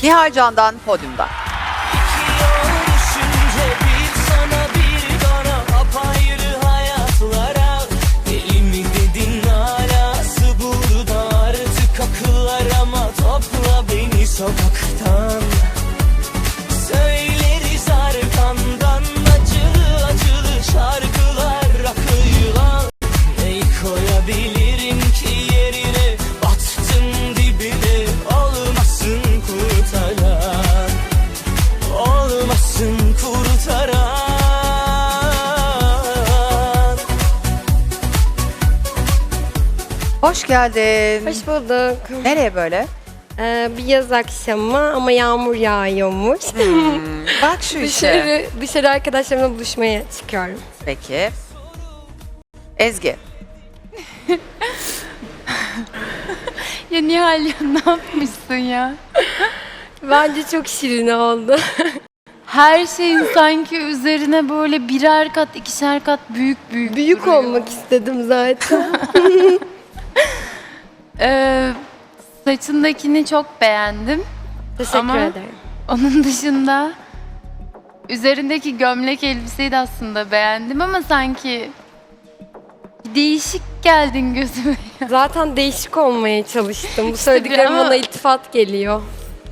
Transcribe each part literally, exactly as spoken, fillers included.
Nihal Can'dan Podyum'dan. Sokaktan söyleriz arkandan acılı acılı şarkılar akıyor. Ne koyabilirim ki yerine, battım dibine, olmasın kurtaran, olmasın kurtaran. Hoş geldin. Hoş bulduk. Nereye böyle? Ee, bir yaz akşamı ama yağmur yağıyormuş. Hmm, bak şu işe. dışarı, dışarı arkadaşlarımla buluşmaya çıkıyorum. Peki. Ezgi. Ya Nihal ya ne yapmışsın ya? Bence çok şirin oldu. Her şeyin sanki üzerine böyle birer kat, ikişer kat büyük büyük Büyük duruyor. olmak istedim zaten. Ee, saçındakini çok beğendim. Teşekkür Ama- ederim. Onun dışında üzerindeki gömlek elbiseyi de aslında beğendim ama sanki değişik geldin gözüme. Zaten değişik olmaya çalıştım. Bu söylediklerim ama- bana iltifat geliyor.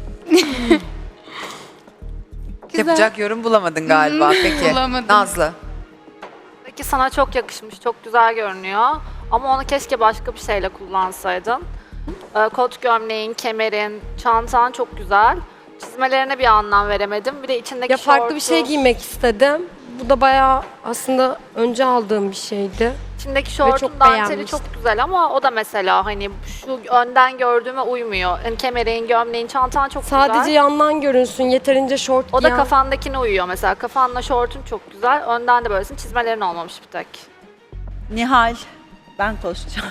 Güzel. Yapacak yorum bulamadın galiba. Peki. Bulamadım. Nazlı. Peki sana çok yakışmış, çok güzel görünüyor. Ama onu keşke başka bir şeyle kullansaydın. Ee, kot gömleğin, kemerin, çantan çok güzel. Çizmelerine bir anlam veremedim. Bir de içindeki Ya farklı bir şortu- şey giymek istedim. Bu da bayağı aslında önce aldığım bir şeydi. İçindeki çok şortun danteli beğenmiştim. çok güzel ama o da mesela hani şu önden gördüğüme uymuyor. Yani kemerin, gömleğin, çantan çok Sadece güzel. yandan görünsün, yeterince şort O da giyen- kafandakine uyuyor mesela. Kafanla şortun çok güzel. Önden de böylesin. Çizmelerin olmamış bir tek. Nihal, ben konuşacağım.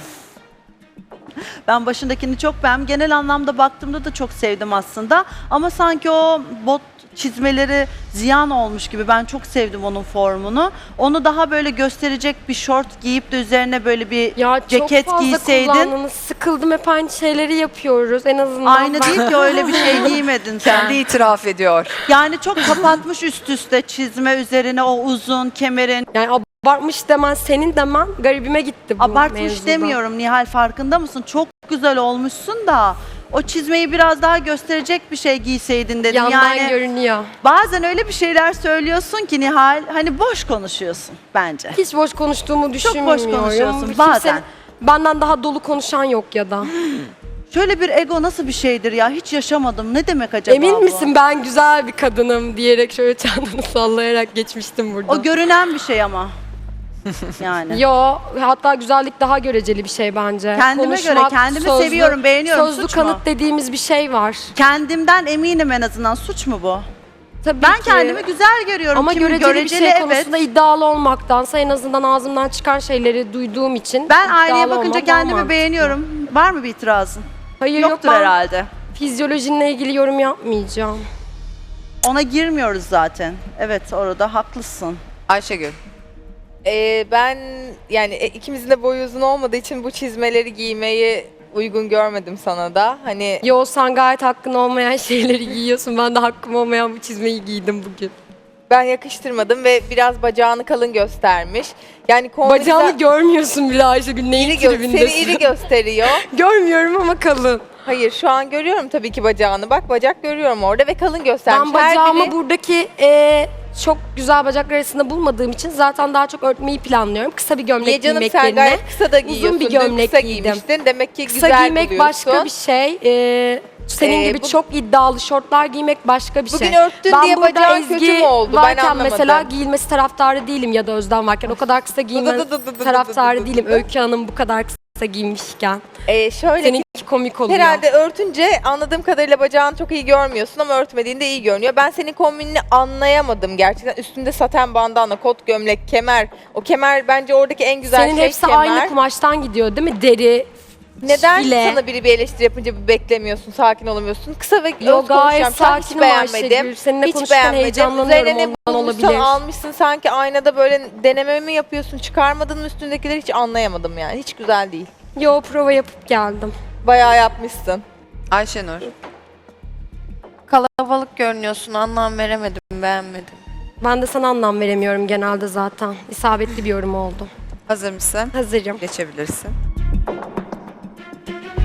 Ben başındakini çok beğendim. Genel anlamda baktığımda da çok sevdim aslında. Ama sanki o bot çizmeleri ziyan olmuş gibi. Ben çok sevdim onun formunu. Onu daha böyle gösterecek bir şort giyip de üzerine böyle bir Ya ceket çok fazla giyseydin. kullandınız. Sıkıldım, hep aynı şeyleri yapıyoruz. En azından Aynı ben- değil ki, öyle bir şey giymedin sen. Kendi itiraf ediyor. Yani çok kapatmış üst üste çizme üzerine o uzun kemerin. Yani abartmış demen, senin demen garibime gitti bu Abartmış mevzuda. demiyorum Nihal, farkında mısın? Çok güzel olmuşsun da o çizmeyi biraz daha gösterecek bir şey giyseydin dedim. Yandan yani görünüyor. bazen öyle bir şeyler söylüyorsun ki Nihal, hani boş konuşuyorsun bence. Hiç boş konuştuğumu Çok düşünmüyorum. boş konuşuyorsun Kimse- bazen. Benden daha dolu konuşan yok ya da. Şöyle bir ego nasıl bir şeydir ya, hiç yaşamadım. Ne demek acaba Emin bu? misin ben güzel bir kadınım diyerek şöyle çantanı sallayarak geçmiştim burada. O görünen bir şey ama. Yani. Yo, hatta güzellik daha göreceli bir şey bence. Kendime göre, kendimi seviyorum, beğeniyorum. Sözlü Suç mu? kanıt dediğimiz bir şey var. Kendimden eminim en azından. Suç mu bu? Tabii Ben ki. kendimi güzel görüyorum. Ama Kimi göreceli, bir şey evet. konusunda iddialı olmaktansa en azından ağzımdan çıkan şeyleri duyduğum için Ben iddialı aynaya bakınca olmam daha kendimi mantıklı. beğeniyorum. Var mı bir itirazın? Hayır Yoktur yok, ben herhalde. fizyolojinle ilgili yorum yapmayacağım. Ona girmiyoruz zaten. Evet, orada haklısın. Ayşegül. Ee, ben yani e, ikimizin de boyu uzun olmadığı için bu çizmeleri giymeyi uygun görmedim sana da. Hani Yo, sen gayet hakkın olmayan şeyleri giyiyorsun. Ben de hakkım olmayan bu çizmeyi giydim bugün. ben yakıştırmadım ve biraz bacağını kalın göstermiş. Yani kombinizden- Bacağını görmüyorsun bile Ayşegül. Neyin iri gö- tribindesin? seni iri gösteriyor. Görmüyorum ama kalın. Hayır, şu an görüyorum tabii ki bacağını. Bak, bacak görüyorum orada ve kalın göstermiş. Ben Her bacağımı biri- buradaki e, çok güzel bacaklar arasında bulmadığım için zaten daha çok örtmeyi planlıyorum. Kısa bir gömlek Niye canım, giymek sen yerine. gayet kısa da giyiyorsun. bir Dün gömlek kısa giydim. giymiştin. Demek ki Kısa güzel giymek buluyorsun. başka bir şey. e, senin Ee, gibi bu- çok iddialı şortlar giymek başka bir Bugün şey. örttün ben diye burada bacağın Ezgi kötü mü oldu? Ben varken anlamadım. mesela giyilmesi taraftarı değilim ya da Özlem varken. O kadar kısa giymen dı dı dı dı dı taraftarı dı dı değilim. dı. Öykü Hanım bu kadar kısa giymişken. Ee, şöyle ki, Seninki komik oluyor. herhalde örtünce anladığım kadarıyla bacağını çok iyi görmüyorsun ama örtmediğinde iyi görünüyor. Ben senin kombinini anlayamadım gerçekten. Üstünde saten bandana, kot gömlek, kemer. O kemer bence oradaki en güzel Senin şey hepsi kemer. aynı kumaştan gidiyor değil mi? Deri, Neden file. sana biri bir eleştiri yapınca bir beklemiyorsun, sakin olamıyorsun? Kısa ve Yo, öz gayet konuşacağım. Şu an hiç sakinim beğenmedim. Ayşegül. Seninle Hiç konuşurken beğenmedim. heyecanlanıyorum, Üzerine ne ondan bulmuşsan olabilir. almışsın, sanki aynada böyle deneme mi yapıyorsun? Çıkarmadın mı üstündekileri, hiç anlayamadım yani. Hiç güzel değil. Yo, prova yapıp geldim. Bayağı yapmışsın. Ayşenur. havalık görünüyorsun. Anlam veremedim, beğenmedim. Ben de sana anlam veremiyorum genelde zaten. İsabetli bir yorum oldu. Hazır mısın? Hazırım. Geçebilirsin.